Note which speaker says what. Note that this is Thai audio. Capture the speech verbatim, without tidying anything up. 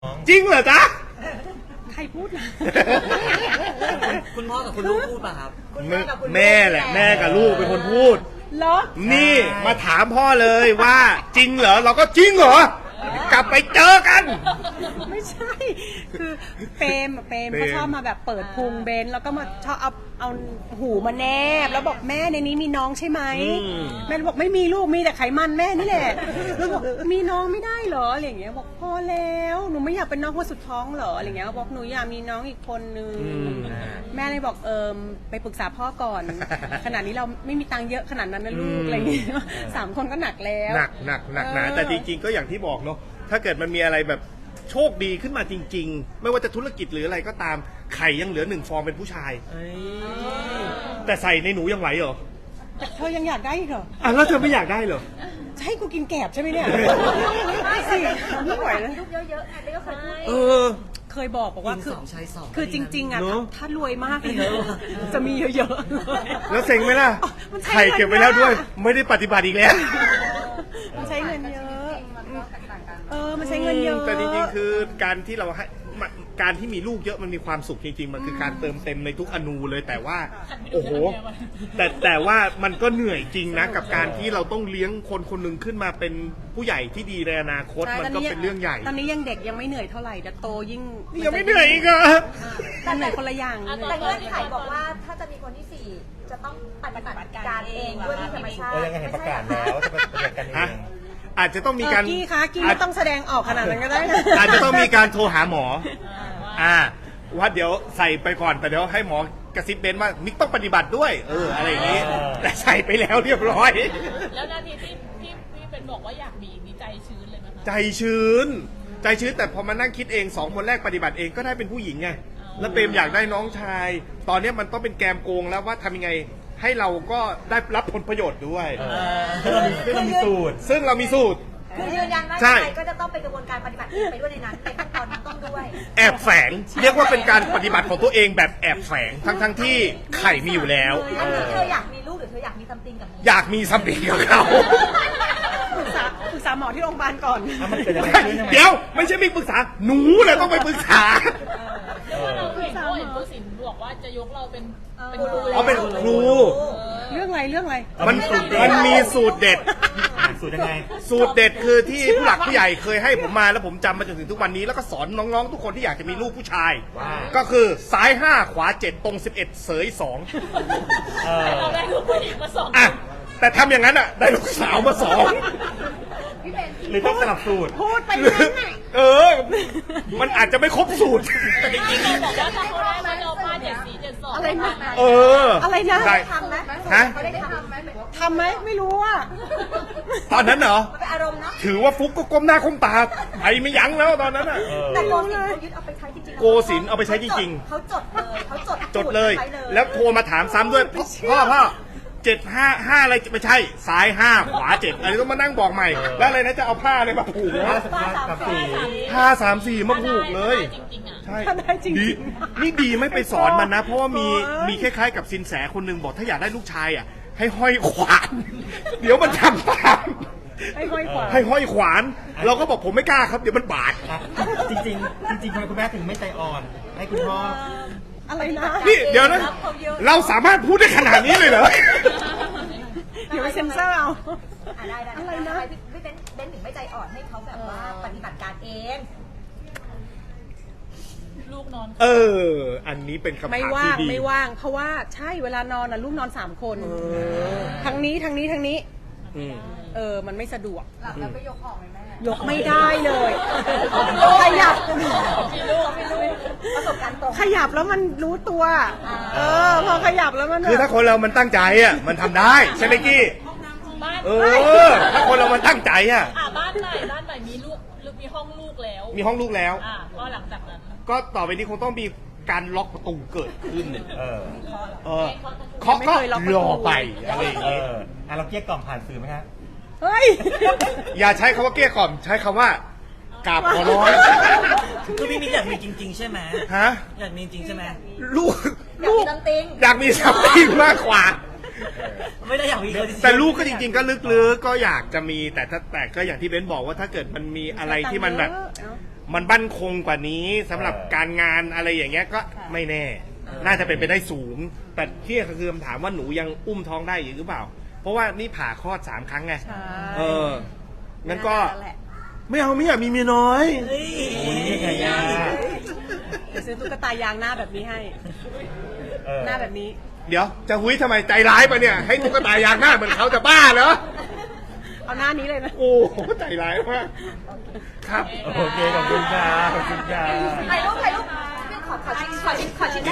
Speaker 1: จริงเหรอจ๊ะ
Speaker 2: ใครพูดนะ
Speaker 3: คุณพ่อกับคุณลูกพูดป่ะครับ
Speaker 1: แม่แหละแม่กับลูกเป็นคนพูด
Speaker 2: เหรอ
Speaker 1: นี่มาถามพ่อเลยว่าจริงเหรอเราก็จริงเหรอกลับไปเจอกัน
Speaker 2: ไม่ใช่ คือเปรมอะเปรม
Speaker 1: เปรม
Speaker 2: เขาชอบมาแบบเปิดพุงเบนแล้วก็มาชอบเอาเอาหูมาแนบแล้วบอกแม่ในนี้มีน้องใช่ไหมแม่บอกไม่มีลูกมีแต่ไขมันแม่นี่แหละแล้วบอกมีน้องไม่ได้เหรออะไรอย่างเงี้ยบอกพอแล้วหนูไม่อยากเป็นน้องคนสุดท้องเหรออะไรเงี้ยบอกหนูอยากมีน้องอีกคนนึงแม่เลยบอกเอิมไปปรึกษาพ่อก่อน ขนาดนี้เราไม่มีตังค์เยอะขนาดนั้นนะลูกอะไรอย่างเงี้ยสามคนก็หนักแล้ว
Speaker 1: หนักหนักหนักหนาแต่จริงๆก็อย่างที่บอกเนาะถ้าเกิดมันมีอะไรแบบโชคดีขึ้นมาจริงๆไม่ว่าจะธุรกิจหรืออะไรก็ตามไข่ยังเหลือหนึ่งฟองเป็นผู้ชายแต่ใส่ในหนูยังไหวเหรอ
Speaker 2: แต่เธอยังอยากได้อีกเหรอ
Speaker 1: อ่ะแล้วเธอไม่อยากได้เหรอ
Speaker 2: จะให้กูกินแกบใช่ไหมเนี่ยไม่สิไม่ไหวแล้ว
Speaker 4: ลูกเยอะๆไงเด็กก็เคยพูด
Speaker 1: เออ
Speaker 2: เคยบอกบอกว่า
Speaker 3: ยิง
Speaker 2: คือ
Speaker 3: สองใช้สอง
Speaker 2: คือจริง ๆอ่ะ
Speaker 1: เนอะ
Speaker 2: ถ้าถ้ารวยมากเลยนะจะมีเยอะๆ
Speaker 1: แล้วเซ็งไหมล่ะ
Speaker 2: มันใช้
Speaker 1: ไข่เก็บไว้แล้วด้วย ไม่ได้ปฏิบัติอีกแล้ว
Speaker 2: มันใช้เงินเยอะเออมันใช้เงินเยอะ
Speaker 1: แต่จริงๆคือการที่เราให้มันการที่มีลูกเยอะมันมีความสุขจริงๆมันคือการเติมเต็มในทุกอนูเลยแต่ว่าโอ้โหแต่แต่ว่ามันก็เหนื่อยจริงนะกับการที่เราต้องเลี้ยงคนคนหนึ่งขึ้นมาเป็นผู้ใหญ่ที่ดีในอนาคต
Speaker 2: ใช่
Speaker 1: มันก็เป็นเรื่องใหญ่
Speaker 2: ตอนนี้ยังเด็กยังไม่เหนื่อยเท่าไหร่แต่โตยิ่ง
Speaker 1: ยังไม่เหนื่อยอีกเหรอ
Speaker 2: มันเหนื่อยคนละอย่าง
Speaker 4: แต่เงื่อนไขบอกว่าถ้าจะมีคนที่สี่จะต้องปฏิบัติการเองด้วยวิธีธรรมชาติ
Speaker 5: โอ้ยังไงเห็นประกาศแล้วจะไปปฏิบัติกันเอ
Speaker 1: ฮะ
Speaker 5: ง
Speaker 1: อาจจะต้องมีการ
Speaker 2: เออกี้คะกี้ไม่ต้องแสดงออกขนาดนั้นก็ได้นะ
Speaker 1: อาจจะต้องมีการโทรหาหมออ่าว่าเดี๋ยวใส่ไปก่อนแต่เดี๋ยวให้หมอกระซิบเบนว่ามิกต้องปฏิบัติด้วยเอออะไรอย่างนี้
Speaker 5: เออ
Speaker 1: แต่ใส่ไปแล้วเรียบร้อย
Speaker 6: แล้วนาทีที่พี่พี่เป็นบอกว่าอยากมีอีกนี่ใจชื้นเลยไหมคะ
Speaker 1: ใจชื้น ใจชื้นแต่พอมานั่งคิดเองสองคนแรกปฏิบัติเองก็ได้เป็นผู้หญิงไงแล้วเปรมอยากได้น้องชาย ตอนนี้มันต้องเป็นแกมโกงแล้วว่าทำยังไงให้เราก็ได้รับผลประโยชน์ด้วย
Speaker 5: ซึ่งเรามีซึ่งเรามีสูตร
Speaker 1: ซึ่งเรามีสูตร
Speaker 4: คือยืนยันว่า
Speaker 1: ใช่
Speaker 4: ใครก็จะต้องเป็นกระบวนการปฏิบัติไปด้วยในนั้นในขั้นตอนนั้นต้องด้วย
Speaker 1: แอบแฝงเรียกว่าเป็นการปฏิบัติของตัวเองแบบแอบแฝงทั้งทั้งๆที่ไข่มีอยู่แล้ว
Speaker 4: อันนี้เธออยากมีลูกหรือเธออยากมีซัมติงกับ
Speaker 1: อยากมีสัมผัสกับเขา
Speaker 2: ปรึกษาปรึกษาหมอที่โรงพยาบาลก่อน
Speaker 5: อ่ะมันเกิดอะไรขึ้นทำไม
Speaker 1: เดี๋ยวไม่ใช่มิกปรึกษาหนูแหละต้องไปปรึกษา
Speaker 6: เพราะว่าเราเห็นเขาเห็นผู้สินบอกว่าจะยกเราเป็นเป็นครู
Speaker 1: อ๋อเป็นครู
Speaker 2: เรื่องอะไรเรื่องอะไร
Speaker 1: มันมันมีสูตรเด็ด
Speaker 5: อ่ะสูตรยังไง
Speaker 1: สูตรเด็ดคือที่ผู้หลักผู้ใหญ่เคยให้ผมมาแล้วผมจำมาจนถึงทุกวันนี้แล้วก็สอนน้องๆ ทุกคนที่อยากจะมีลูกผู้ชาย
Speaker 5: ว่า
Speaker 1: ก็คือซ้ายห้าขวาเจ็ดตรงสิบเอ็ดเสยสอง
Speaker 5: เออ
Speaker 6: เราได้ลูกผู้หญิงมาสอง
Speaker 1: อ่ะแต่ทำอย่างนั้นอ่ะได้ลูกสาวมาสอง
Speaker 5: หรือต้องสลับสูตร
Speaker 2: พูดไป
Speaker 1: หรือ
Speaker 2: นั้นน่ะ
Speaker 1: เออ มันอาจจะไม่ครบสูตร
Speaker 6: แต่จริงๆเราบอกว่าถ้าเขาได้มาเราพลาดเจ็ดสี่เจ็ดสอง
Speaker 2: อะไรนะ
Speaker 1: เออ
Speaker 2: อะไรนะ
Speaker 1: ได้
Speaker 4: ทำไหม
Speaker 1: ฮะ
Speaker 4: เขาได้ทำไหม
Speaker 2: ทำไหมไม่รู้อ่ะ
Speaker 1: ตอนนั้นเหรอ
Speaker 4: มันเป็นอารมณ์เนาะ
Speaker 1: ถือว่าฟุกก็ก้มหน้าก้มตาไปไม่ยั้งแล้วตอนนั้นอ่ะ
Speaker 4: แต่โกศินเขายึดเอาไปใช้จริงๆ
Speaker 1: โกศินเอาไปใช้จริงๆ
Speaker 4: เขาจดเลยเขาจด
Speaker 1: จดเลย
Speaker 4: ใช้
Speaker 1: แล้วโทรมาถามซ้ำด้วยพ่อพ่อพ่อเจ็ดห้าห้าอะไรไม่ใช่ซ้ายห้าขวาเจ็ดอะไรต้องมานั่งบอกใหม่ แล้วอะไรนะจะเอาผ้าอะไรมาผูก
Speaker 5: ห้า
Speaker 1: นะ
Speaker 5: สิบห้ากับสี่
Speaker 1: ผ้าสามสี่มาผูกเลย
Speaker 6: จริงๆอ่ะ
Speaker 1: ใช่
Speaker 2: ถ้าได้จริงๆ
Speaker 1: ดีนี่ดีไม่ไปสอนมันนะ เพราะว่ามี
Speaker 2: โอ้ย
Speaker 1: มีคล้ายๆกับสินแสคนหนึ่งบอกถ้าอยากได้ลูกชายอ่ะ ให้ห้อยขวาน เดี๋ยวมันทำตาม
Speaker 2: ให้ห้อยขวา
Speaker 1: ให้ห้อยขวาน เราก็บอกผมไม่กล้าครับเดี๋ยวมันบาด
Speaker 5: อ่ะจริงๆจริงๆทำไมคุณแม่ถึงไม่ใจอ่อน ให้คุณพ่อ
Speaker 2: อะไรนะ
Speaker 1: นี่เดี๋ยวนะ เราสามารถพูดได้ขนาดนี้เลยเหรอ
Speaker 2: เดี๋ยวไปเซ็นเซอร์เอา
Speaker 4: อ่ะได้ได้
Speaker 2: อะไรนะ
Speaker 4: ทำมพี่พี่เบนเบนถึงไม่ใจอ่อนให้เขาแบบว่าปฏิบัติการเอง
Speaker 6: ลูกนอน
Speaker 1: เออ อันนี้เป็นคำถาม
Speaker 2: ไม่
Speaker 1: ที่
Speaker 2: ว่าง
Speaker 1: ดี
Speaker 2: ไม่ว่าง เพราะว่าใช่เวลานอนน่ะลูกนอนสามคนทั้งนี้ทั้งนี้ทั้งนี้
Speaker 1: อืม
Speaker 2: เออมันไม่สะดวก
Speaker 4: หลับแล้วไม่ยกออกเลยแม่
Speaker 2: ยกไม่ได้เลยขยับ
Speaker 4: มีลูกมีลูกประสบการณ์ตรง
Speaker 2: ขยับแล้วมันรู้ตัว เออ พอขยับแล้วมัน
Speaker 1: คือถ้าคนเรามันตั้งใจอ่ะ มันทำได้ใช่ไหมกี้
Speaker 6: บ้าน
Speaker 1: เออ ถ้าคนเรามันตั้งใจอ่ะ
Speaker 6: อ่าบ้านใหม่บ้านใหม่มีลูกหรือมีห้องลูกแล้ว
Speaker 1: มีห้องลูกแล้ว
Speaker 6: อ่าก็หลังจากนั้น
Speaker 1: ก็ต่อไปนี้คงต้องมีการล็อกประตูเกิดขึ้น
Speaker 5: เออ
Speaker 1: เออเคาะก็รอไปอะไรอย่าง
Speaker 5: เอ
Speaker 1: งี้
Speaker 5: ออ่ะเราเกลี้ยกล่อมผ่านสื่อไหมครับ
Speaker 2: เฮ้ย
Speaker 1: อย่าใช้คำว่าเกลี้ยกล่อมใช้คำว่ากราบขอร้อง
Speaker 3: คือพี่มิกอยากมีจริง ๆ ใช่ไหม
Speaker 1: ฮะ
Speaker 3: อยากมีจริงใช่ไหม
Speaker 1: ลูก
Speaker 4: อยากมีซัมติง
Speaker 1: อยากมีสัมผัสมากกว่า
Speaker 3: ไม่ได้อยากมีคนที่
Speaker 1: แต่ลูกก็จริงๆก็ลึกๆก็อยากจะมีแต่ถ้าแต่ก็อย่างที่เบนบอกว่าถ้าเกิดมันมีอะไรที่มันแบบ มันบั่นคงกว่านี้สำหรับการงานอะไรอย่างเงี้ยก็ไม่แน่ น่าจะเป็นไปได้สูง แต่ที่คือคำถามว่าหนูยังอุ้มท้องได้อยู่หรือเปล่า เพราะว่านี่ผ่าคลอดสามครั้งไง
Speaker 2: ใช่
Speaker 1: เอองั้นก็
Speaker 2: นั่นแหละ
Speaker 1: ไม่เอาไม่อยากมีเมียน้อย
Speaker 3: เฮ้ย
Speaker 5: โอ้ยนี่ไงยา
Speaker 2: เดี๋ยวซื้อตุ๊กตายางหน้าแบบนี้ให้
Speaker 5: เออ
Speaker 2: หน้าแบบนี้
Speaker 1: เดี๋ยวจะหุยทำไมใจร้ายปะเนี่ย ให้ตุ๊กตายางหน้าเหมือนเขาจะบ้าเหรอ
Speaker 2: เอาหน้านี้เลยนะ
Speaker 1: โอ้โหใจร้ายมากครับ
Speaker 5: โอเคขอบคุณครับขอบคุณครับ
Speaker 4: ถ่ายรูปถ่ายรูปขอขอชิ้นขอชิ้นขอชิ้น